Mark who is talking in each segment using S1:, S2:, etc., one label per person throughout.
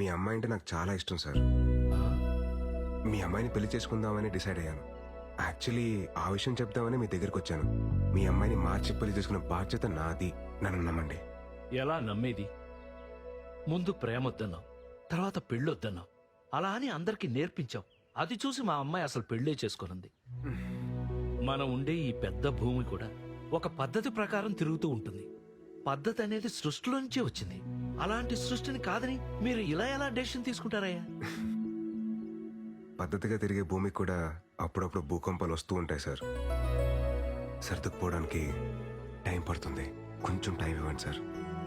S1: అమ్మాయి అంటే నాకు చాలా ఇష్టం సార్. మీ అమ్మాయిని పెళ్లి చేసుకుందామని డిసైడ్ అయ్యాను. యాక్చువల్లీ ఆ విషయం చెప్దామని మీ దగ్గరికి వచ్చాను. మీ అమ్మాయిని మార్చి పెళ్లి చేసుకున్న బాధ్యత నాది. నన్ను నమ్మండి.
S2: ఎలా నమ్మేది? ముందు ప్రేమొద్దన్నావు, తర్వాత పెళ్ళొద్దన్నావు. అలా అని అందరికీ నేర్పించావు. అది చూసి మా అమ్మాయి అసలు పెళ్ళే చేసుకునుంది. మనం ఉండే ఈ పెద్ద భూమి కూడా ఒక పద్ధతి ప్రకారం తిరుగుతూ ఉంటుంది. పద్ధతి అనేది సృష్టిలో నుంచే వచ్చింది. అలాంటి సృష్టిని కాదని మీరు ఇలా ఎలా డెసిషన్ తీసుకుంటారయ్యా?
S1: పద్ధతిగా తిరిగే భూమికి కూడా అప్పుడప్పుడు భూకంపాలు వస్తూ ఉంటాయి సార్. సర్దుకుపోవడానికి టైం పడుతుంది. కొంచెం టైం ఇవ్వండి సార్.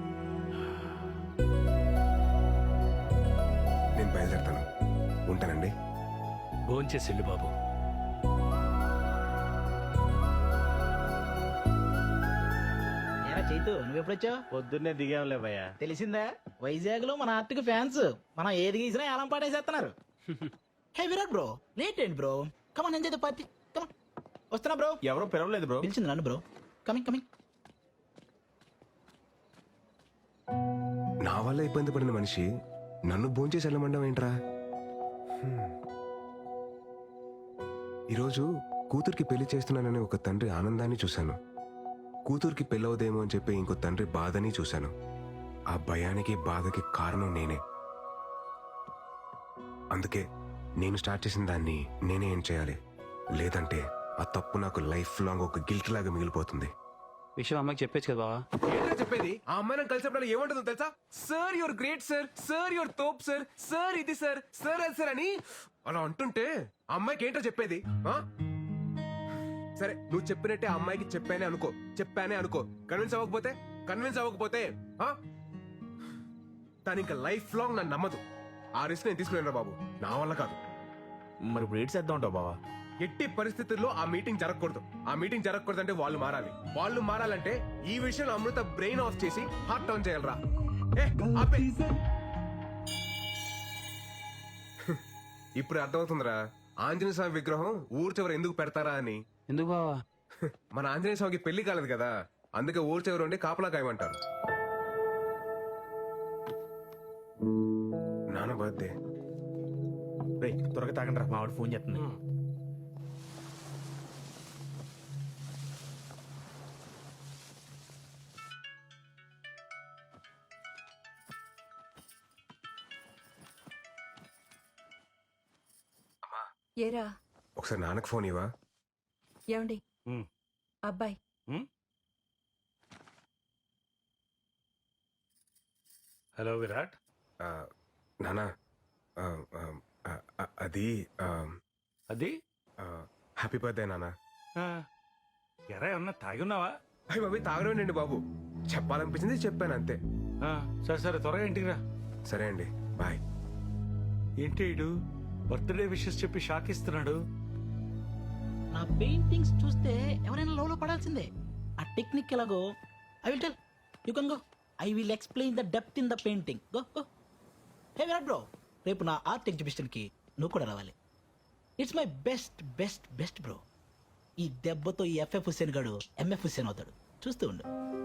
S1: నేను బయలుదేరుతాను. ఉంటానండి.
S2: భోంచేసిల్లు బాబు.
S3: చైతు నువ్వెప్పుడొచ్చావు?
S4: పొద్దున్నే దిగాంలే భయ్యా.
S3: తెలిసిందా, వైజాగ్ లో మన ఆర్టిక్ ఫ్యాన్స్ మనం ఏది గీసినా ఏలం పాటేసేస్తున్నారు. హే విరాట్ బ్రో, లేట్ ఏంటి bro? Come on enjoy the party. Come on. వస్తున్నా బ్రో.
S4: ఎవరో పిలవలేదు బ్రో.
S3: పిలిచింది నన్ను బ్రో. Coming coming.
S1: నా వల్ల ఇబ్బంది పడిన మనిషి నన్ను భోంచేసి వెళ్ళమండం ఏంట్రా? ఈరోజు కూతురికి పెళ్లి చేస్తున్నానని ఒక తండ్రి ఆనందాన్ని చూశాను. కూతురికి పెళ్ళవదేమో అని చెప్పి ఇంకో తండ్రి బాధని చూశాను. ఆ భయానికి బాధకి కారణం నేనే. అందుకే నేను స్టార్ట్ చేసిన దాన్ని నేనే ఏం చేయాలి. లేదంటే ఆ తప్పు నాకు లైఫ్ లాంగ్ ఒక గిల్ట్ లాగా మిగిలిపోతుంది.
S4: విషయం అమ్మకి చెప్పేచ్చు కదా బావా.
S1: ఏంటో చెప్పేది? ఆ అమ్మాయి నాకు కలిసినప్పుడు ఏమంటుందో తెలుసా? Sir you're great sir, sir you're తోప్ సార్, సార్ ఇది సార్, సార్ అది సార్ అని అలా అంటుంటే ఆ అమ్మాయికి ఏంటో చెప్పేది? సరే నువ్వు చెప్పినట్టే ఆ అమ్మాయికి చెప్పానే అనుకో. కన్విన్స్ అవ్వకపోతే తను ఇంకా లైఫ్ లాంగ్ నన్ను నమ్మదు. ఆ రిస్క్ నేను తీసుకునేరా బాబు, నా వల్ల కాదు.
S4: మరి ఇప్పుడు ఏడ్ చేద్దాం ఉంటావు బావా.
S1: ఎట్టి పరిస్థితుల్లో ఆ మీటింగ్ జరగకూడదు అంటే వాళ్ళు మారాలంటే ఈ విషయంలో అమృత బ్రెయిన్ ఆఫ్ చేసి హార్ట్ టర్న్ చేయాలరా. ఇప్పుడు అర్థమవుతుందిరా ఆంజనేయ స్వామి విగ్రహం ఊరు చివర ఎందుకు పెడతారా అని.
S4: ఎందుకు బావా?
S1: మన ఆంజనేయ స్వామికి పెళ్లి కాలేదు కదా, అందుకే ఊరు చివర ఉండి కాపలా కాయమంటారు. నాన్న బర్త్డే.
S4: రేయ్ త్వరగా తాగండి రా, మావాడు ఫోన్ చేస్తుంది.
S5: ఏరా
S1: ఒకసారి నాన్నకు ఫోన్ ఇవ్వా.
S5: ఏమండి అబ్బాయి
S2: హలో విరాట్.
S1: నాన్న అది హ్యాపీ బర్త్డే నాన్న.
S2: ఎరా ఏమన్నా తాగి ఉన్నావా?
S1: అయ్యి బాబు తాగడండి బాబు, చెప్పాలనిపించింది చెప్పాను అంతే.
S2: సరే త్వరగా ఇంటికి రా.
S1: సరే అండి, బాయ్.
S2: ఏంటి ఇడు బర్త్డే విషెస్ చెప్పి షాక్ ఇస్తున్నాడు?
S3: నా పెయింటింగ్స్ చూస్తే ఎవరైనా లోలో పడాల్సిందే. ఆ టెక్నిక్ ఎలాగో I will tell. You can go. I will explain the depth in the painting. Go go. Hey Virat bro, రేపు నా ఆర్ట్ ఎగ్జిబిషన్ కి నువ్వు కూడా రావాలి. It's my best best best bro. ఈ దెబ్బతో ఈ ఎఫ్ఎఫ్ హుస్సేన్ గాడు ఎంఎఫ్ హుస్సేన్ అవుతాడు. చూస్తూ ఉండు.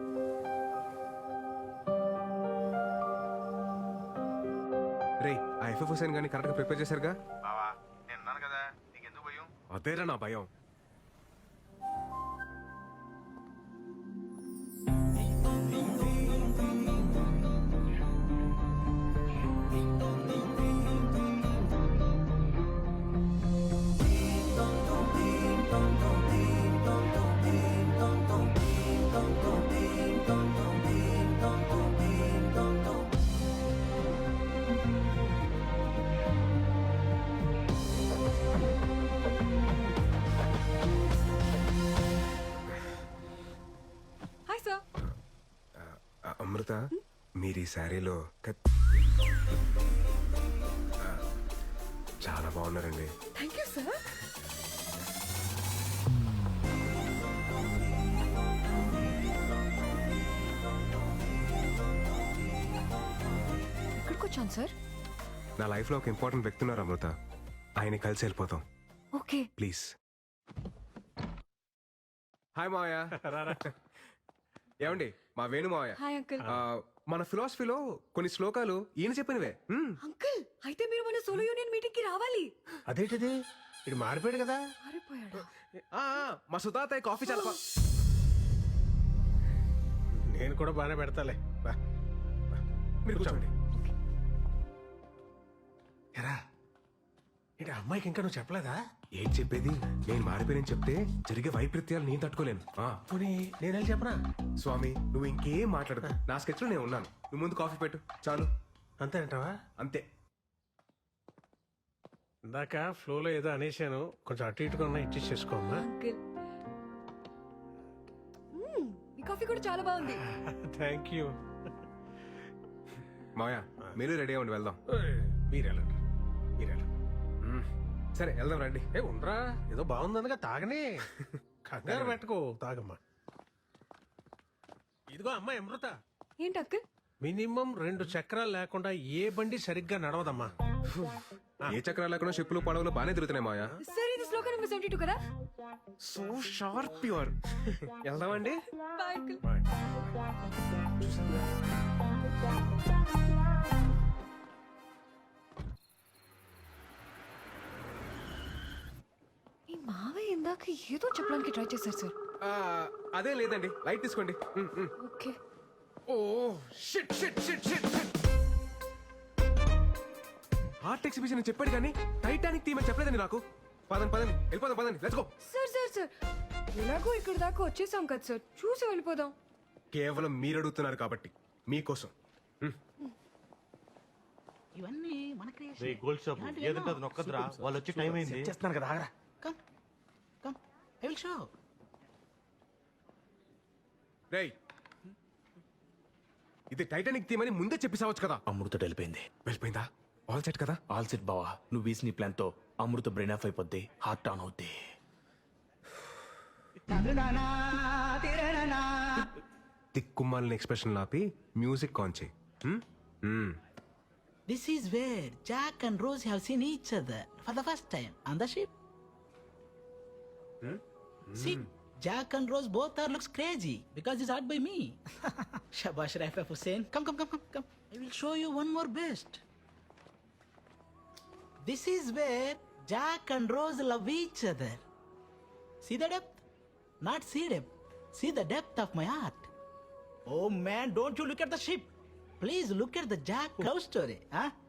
S1: రే ఆ ఎఫ్ఎఫ్ హుసేన్ గాని కరెక్ట్ గా ప్రిపేర్ చేశారుగా?
S6: బావా నేను ఉన్నాను కదా, నీకెందుకు భయం?
S1: అదేరా నా భయం. అమృత, మీరు ఈ శారీలో చాలా బాగున్నారండి.
S5: Thank you sir. ఎక్కడికి వచ్చాను సార్?
S1: నా లైఫ్ లో ఒక ఇంపార్టెంట్ వ్యక్తి ఉన్నారు అమృత, ఆయన కలిసి వెళ్ళిపోతాం.
S5: Okay
S1: please. హాయ్ మావయ్య. ఏమండి మా వేణు మావయ్య.
S5: Hi uncle.
S1: మన ఫిలాసఫీలో కొన్ని శ్లోకాలు ఈయన చెప్పినవే.
S5: అంకుల్ అయితే మీరు మన సోలో యూనియన్ మీటింగ్ కి రావాలి.
S4: అదేంటిది ఇది మారిపోయాడు కదా.
S5: మారిపోయాడా?
S1: మా సుతాతయ్య కాఫీ చాలా
S4: నేను కూడా బాగానే పెడతాలే బా.
S1: మీరు కూర్చోండి.
S4: ఎరా ఏంటి అమ్మాయికి ఇంకా నువ్వు చెప్పలేదా?
S1: ఏం చెప్పేది, నేను మారిపోయానని చెప్తే జరిగే వైపరీత్యాలు నేను తట్టుకోలేను.
S4: పోనీ నేనేం చెప్పనా?
S1: స్వామి నువ్వు ఇంకేం మాట్లాడదు, నా స్కెచ్ లో నేను ఉన్నాను. నువ్వు ముందు కాఫీ పెట్టు చాలు.
S4: అంతే అంటావా?
S1: అంతే.
S4: ఇందాక ఫ్లోలో ఏదో అనేసాను, కొంచెం అటు ఇటుగా ఉన్నా ఇచ్చేసి చేసుకోమ్మా.
S5: అంకుల్ ఈ కాఫీ కూడా చాలా బాగుంది.
S4: Thank you.
S1: మాయా మీరు రెడీ అవ్వండి, వెళ్దాం.
S4: మీరెళ్ళండి మీరెళ్ళండి.
S1: సరే వెళ్దాం రండి.
S4: ఉండరా, ఏదో బాగుందనగా తాగనే. కంగారు పెట్టుకో, తాగమ్మా. ఇదిగో అమ్మాయి అమృత,
S5: ఏంటి అంకుల్?
S4: మినిమం 2 చక్రాలు లేకుండా ఏ బండి సరిగ్గా నడవదమ్మా.
S1: ఏ చక్రాలు లేకుండా షిప్పులు పడవలు బాగానే తిరుగుతున్నాయి మాయా.
S5: సార్ ఇది శ్లోక నెంబర్ 72 కదా?
S1: So sharp pure. వెళ్దామండి.
S5: Bye uncle. ఈ మావయ్య ఇందాక ఏదో చెప్పడానికి ట్రై చేశారు సార్.
S1: అదే లేదండి, లైట్ తీసుకోండి.
S5: Okay.
S1: Oh shit shit shit shit. Art exhibition అని చెప్పాడు కానీ టైటానిక్ థీమ్ అని చెప్పలేదండి నాకు. పదండి పదండి వెళ్ళిపోదాం, పదండి let's go.
S5: Sir sir sir ఎలాగో ఇక్కడ దాకా వచ్చేసాం కదా సార్, చూసి వెళ్ళిపోదాం.
S1: కేవలం మీరు అడుగుతున్నారు కాబట్టి మీకోసం.
S3: ఇవన్నీ మన
S7: రే గోల్డ్ షాప్ ఏదంటే అది నొక్కదురా, వాళ్ళు వచ్చి టైం అయింది.
S4: చేస్తున్నాను కదా, ఆగరా.
S3: Come come I will show.
S1: రేయ్ ఇది టైటానిక్ థీమ్ అని ముందే చెప్పేసావచ్చు కదా.
S2: అమృత వెళ్ళిపోయింది.
S1: వెళ్ళిపోయిందా? ఆల్ సెట్ కదా.
S2: ఆల్ సెట్ బావా, నువ్వు వేసిన ప్లాన్ తో అమృత బ్రెయిన్ ఆఫ్ అయిపోద్ది, హార్ట్ ఆన్ అవుద్ది.
S1: తిక్కుమాలిన ఎక్స్ప్రెషన్ ఆపి మ్యూజిక్ ఆన్ చేయి.
S3: This is where Jack and Rose have seen each other for the first time on the ship. See, Jack and Rose both are looks crazy because it's art by me. Shabash Raif Hussain. Come. I will show you one more best. This is where Jack and Rose love each other. See the depth? Not see depth. See the depth of my art. Oh man, don't you look at the ship. Please look at the Jack love story. Huh?